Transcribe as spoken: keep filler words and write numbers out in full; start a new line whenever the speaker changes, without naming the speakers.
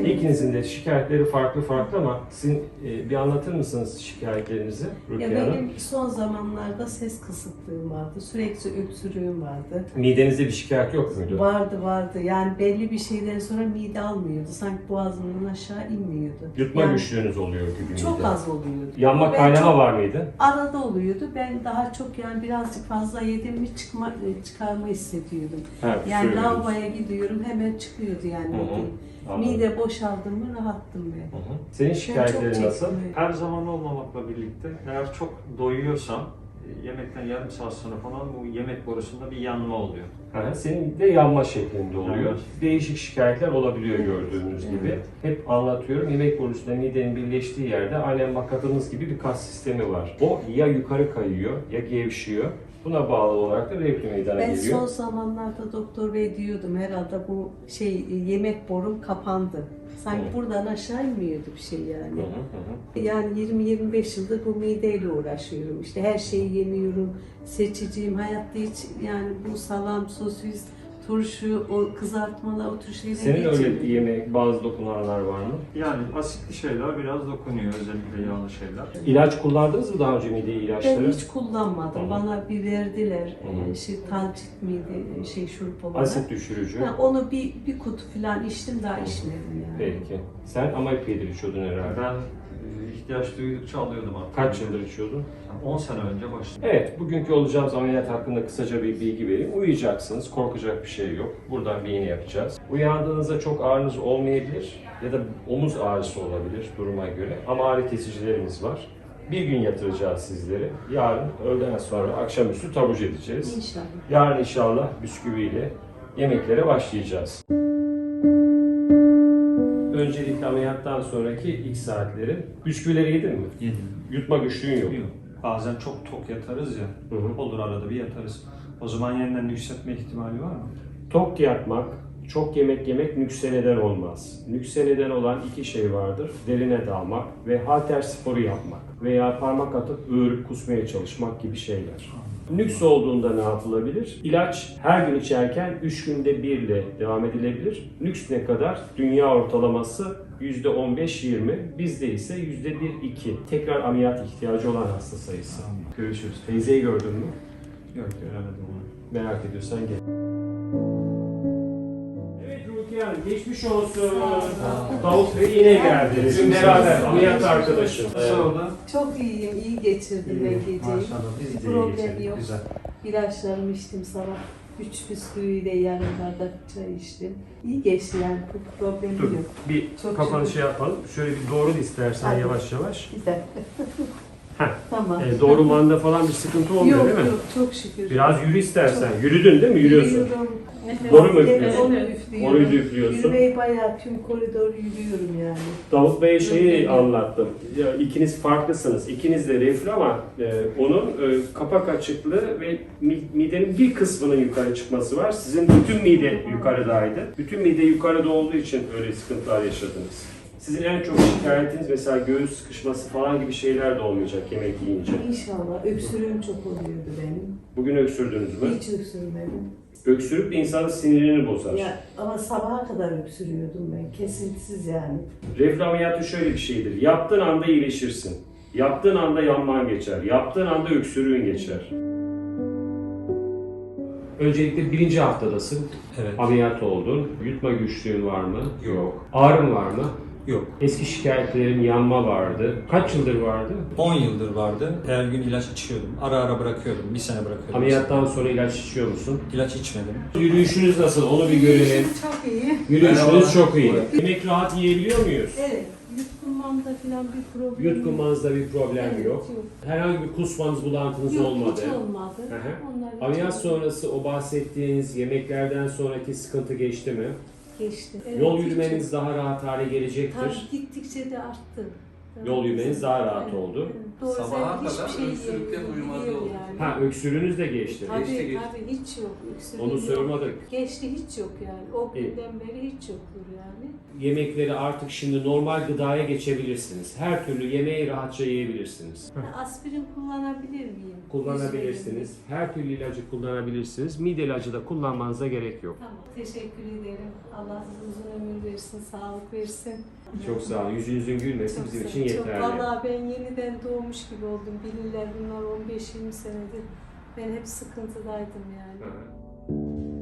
Evet.
İkinizin de şikayetleri farklı farklı ama sizin e, bir anlatır mısınız şikayetlerinizi Rukiye
Ya
Hanım?
benim son zamanlarda ses kısıklığım vardı, sürekli öksürüğüm vardı.
Midenizde bir şikayet yok muydu?
Vardı vardı. Yani belli bir şeyden sonra mide almıyordu. Sanki boğazımdan aşağı inmiyordu.
Yutma
yani
güçlüğünüz oluyor gibi
çok
mide.
az oluyordu.
Yanma
Ben
kaynama
çok-
var mıydı?
Arada oluyordu. Ben daha çok yani birazcık fazla yedim mi çıkma, çıkarma hissediyordum.
Ha,
Yani
söylüyoruz.
lavaboya gidiyorum hemen çıkıyordu yani.
Hı hı.
midem.
Anladım.
Mide boşaldı mı rahattım ben.
Hı hı. Senin şikayetlerin
çok
nasıl?
çektim.
Her zaman olmamakla birlikte eğer çok doyuyorsam e, yemekten yarım saat sonra falan bu yemek borusunda bir yanma oluyor.
Ha, senin de yanma şeklinde oluyor.
Yanma.
Değişik şikayetler olabiliyor gördüğünüz gibi.
Evet.
Hep anlatıyorum. Yemek borusunda midenin birleştiği yerde aynen makatımız gibi bir kas sistemi var. O ya yukarı kayıyor ya gevşiyor. Buna bağlı olarak da reflü meydana
Ben
geliyor.
son zamanlarda doktor bey diyordum herhalde bu şey yemek borum kapandı. Sanki
Hı.
buradan aşağı inmiyordu bir şey yani.
Hı hı hı.
Yani yirmi yirmi beş yıldır bu mideyle uğraşıyorum. İşte her şeyi yemiyorum, seçiciyim. Hayatta hiç yani bu salam, sosis, turşu, o kızartmalar, o tür şeyleri
Senin
hiç
öyle
yemiyorum.
yemek, bazı dokunanlar var mı?
Yani asitli şeyler biraz dokunuyor, özellikle yağlı şeyler.
İlaç kullandınız mı daha önce mide ilaçları?
Ben hiç kullanmadım.
Hı hı.
Bana bir verdiler.
Hı hı.
Ee, Şey talcit miydi? Şey şurup olarak.
Asit düşürücü.
Ha, onu bir, bir kutu falan içtim daha içmedim yani.
Peki. Sen amilpiyedir içiyordun herhalde.
Ben e, ihtiyaç duydukça alıyordum artık.
Kaç yıldır içiyordun?
on sene önce başladım.
Evet, bugünkü olacağımız ameliyat hakkında kısaca bir bilgi vereyim. Uyuyacaksınız, korkacak bir şey yok. Buradan bir iğne yapacağız. Uyandığınızda çok ağrınız olmayabilir ya da omuz ağrısı olabilir duruma göre. Ama ağrı kesicilerimiz var. Bir gün yatıracağız sizleri. Yarın öğleden sonra akşamüstü taburcu edeceğiz.
İnşallah.
Yarın inşallah bisküviyle yemeklere başlayacağız. Öncelikle ameliyattan sonraki ilk saatleri. Bisküvileri yedin mi?
Yedim.
Yutma güçlüğün yok.
Yok. Bazen çok tok yatarız ya,
Hı hı.
olur arada bir yatarız. O zaman yeniden yükseltme ihtimali var mı?
Tok yatmak, çok yemek yemek nükse neden olmaz. Nükse neden olan iki şey vardır. Derine dalmak ve halter sporu yapmak veya parmak atıp öğürüp kusmaya çalışmak gibi şeyler. Nüks olduğunda ne yapılabilir? İlaç her gün içerken üç günde bir ile devam edilebilir. Nüks ne kadar? Dünya ortalaması yüzde on beş yirmi, bizde ise yüzde bir iki. Tekrar ameliyat ihtiyacı olan hasta sayısı. Görüşürüz. Teyzeyi gördün mü?
Yok, göremedim onu.
Merak ediyorsan gel. Evet Rukiye Hanım, geçmiş olsun. Davut Bey yine geldi. Bizim beraber ameliyat arkadaşım.
Sonra
Çok iyiyim, iyi geçirdim ben geceyi.
maşallah biz
Bir
de iyi
problem
geçirdik,
yok.
güzel.
İlaçlarımı içtim sabah. Üç bisküviyle yarım bardak çay içtim. İyi geçti yani, bir problemim
Dur,
yok.
bir
Çok
kafanı
şükür.
şey yapalım. Şöyle bir doğru istersen
Hadi.
yavaş yavaş.
Güzel.
Heh.
Tamam.
E, doğrulmanda falan bir sıkıntı olmuyor
yok
değil mi?
yok, çok şükür.
Biraz yürü istersen. Yürüdün değil mi? Yürüyorsun.
Yürüyorum.
Doğru mu
Evet,
üflüyorsun?
onu üflüyorum.
Orayı da üflüyorsun.
Yürümeyi bayağı tüm koridoru yürüyorum yani.
Davut Bey'e şeyi
Yürüyorum.
anlattım. Ya, ikiniz farklısınız. İkiniz de reflü ama e, onun e, kapak açıklığı ve mi- midenin bir kısmının yukarı çıkması var. Sizin bütün mide yukarıdaydı. Bütün mide yukarıda olduğu için öyle sıkıntılar yaşadınız. Sizin en çok şikayetiniz mesela göğüs sıkışması falan gibi şeyler de olmayacak yemek yiyince.
İnşallah. Öksürüğüm çok oluyordu benim.
Bugün öksürdünüz mü?
Hiç öksürmedim.
Öksürük insanın sinirini bozar.
Ya, ama sabaha kadar öksürüyordum ben. Kesintisiz yani.
Reflü ameliyatı şöyle bir şeydir. Yaptığın anda iyileşirsin. Yaptığın anda yanman geçer. Yaptığın anda öksürüğün geçer. Öncelikle birinci haftadasın.
Evet.
Ameliyat oldun. Yutma güçlüğün var mı?
Yok.
Ağrın var mı?
Yok.
Eski şikayetlerin yanma vardı. Kaç yıldır vardı?
on yıldır vardı. Her gün ilaç içiyordum. Ara ara bırakıyordum. Bir sene bırakıyordum.
Ameliyattan sonra ilaç içiyor musun?
İlaç içmedim.
Yürüyüşünüz nasıl? Onu bir görelim.
Çok iyi.
Yürüyüşünüz çok iyi. Yemek rahat yiyebiliyor muyuz?
Evet. Yutkunmamda falan bir problem yok.
Yutkunmanızda bir problem
Evet,
yok. Herhangi bir kusmanız, bulantınız
Yok,
olmadı.
hiç olmadı.
Hı hı.
Onlar hiç
Ameliyat
olmadı.
sonrası o bahsettiğiniz yemeklerden sonraki sıkıntı geçti mi?
Geçti. Evet,
Yol
hiç-
yürümeniz daha rahat hale gelecektir.
Tabii gittikçe de arttı.
Yol yürümeniz daha rahat
Evet,
oldu.
evet. Doğru,
Sabaha
sen hiçbir
kadar
şey
öksürükten
yemiyor,
uyumadı
yiyor
oldu.
yani.
Ha, öksürüğünüz de geçti.
Tabii
Geçti, geçti.
tabii hiç yok. Öksürüğü
Onu
yok.
sormadık.
Geçti hiç yok yani. O
İyi.
günden beri hiç yoktur yani.
Yemekleri artık şimdi normal gıdaya geçebilirsiniz. Her türlü yemeği rahatça yiyebilirsiniz.
Aspirin kullanabilir miyim?
Kullanabilirsiniz. Her türlü ilacı kullanabilirsiniz. Mide ilacı da kullanmanıza gerek yok.
Tamam. Teşekkür ederim. Allah size uzun ömür versin, sağlık versin.
Çok sağ olun. Yüzünüzün gülmesi
Çok
bizim
sağ-
için
Çok,
yeterli.
vallahi ben yeniden doğmuş gibi oldum. Bilirler bunlar on beş yirmi senedir. Ben hep sıkıntıdaydım yani.
Hı hı.